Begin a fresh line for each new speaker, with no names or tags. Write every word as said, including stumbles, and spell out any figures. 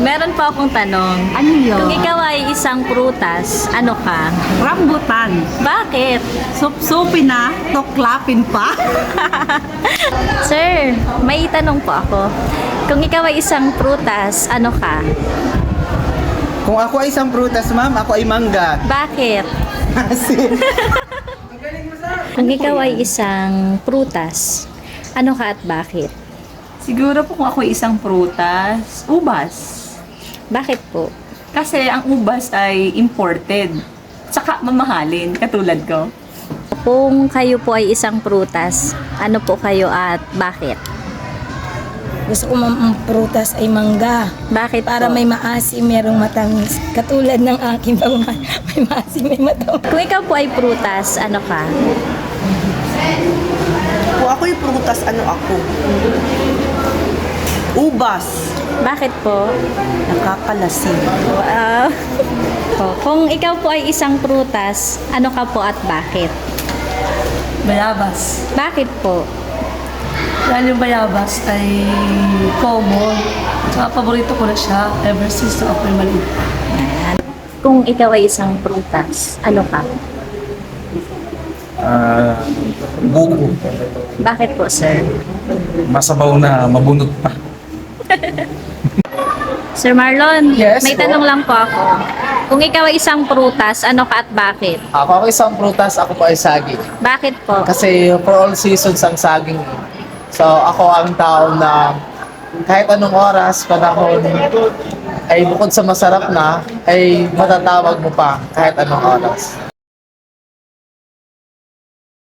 Meron po akong tanong.
Ano yun?
Kung ikaw ay isang prutas, ano ka?
Rambutan.
Bakit?
Sup-supin na, tuklapin pa.
Sir, may tanong po ako. Kung ikaw ay isang prutas, ano ka?
Kung ako ay isang prutas, ma'am, ako ay mangga.
Bakit?
Kasi,
Kung ikaw ay isang prutas, ano ka at bakit?
Siguro po kung ako isang prutas, ubas.
Bakit po?
Kasi ang ubas ay imported. Tsaka mamahalin, katulad ko.
Kung kayo po ay isang prutas, ano po kayo at bakit?
Gusto ko ang prutas ay mangga.
Bakit
Para
po?
may maasim, merong matamis. Katulad ng aking pagmamahal, may maasim, may matamis.
Kung ikaw po ay prutas, ano ka?
Kung ako'y prutas, ano ako? Ubas.
Bakit po?
Nakakalasing.
Wow. Po, kung ikaw po ay isang prutas, ano ka po at bakit?
Bayabas.
Bakit po?
Dahil yung bayabas ay common. Tsaka paborito ko na siya ever since na ako'y maliit.
Kung ikaw ay isang prutas, ano ka?
Ah, buko.
Bakit po, sir?
Masabaw na mabunot pa.
Sir Marlon,
Yes,
may
po.
tanong lang po ako. Kung ikaw ay isang prutas, ano ka at bakit?
Ako ang isang prutas, ako po ay saging.
Bakit po?
Kasi for all seasons ang saging. So ako ang tao na kahit anong oras, panahon, ay bukod sa masarap na, ay matatawag mo pa kahit anong oras.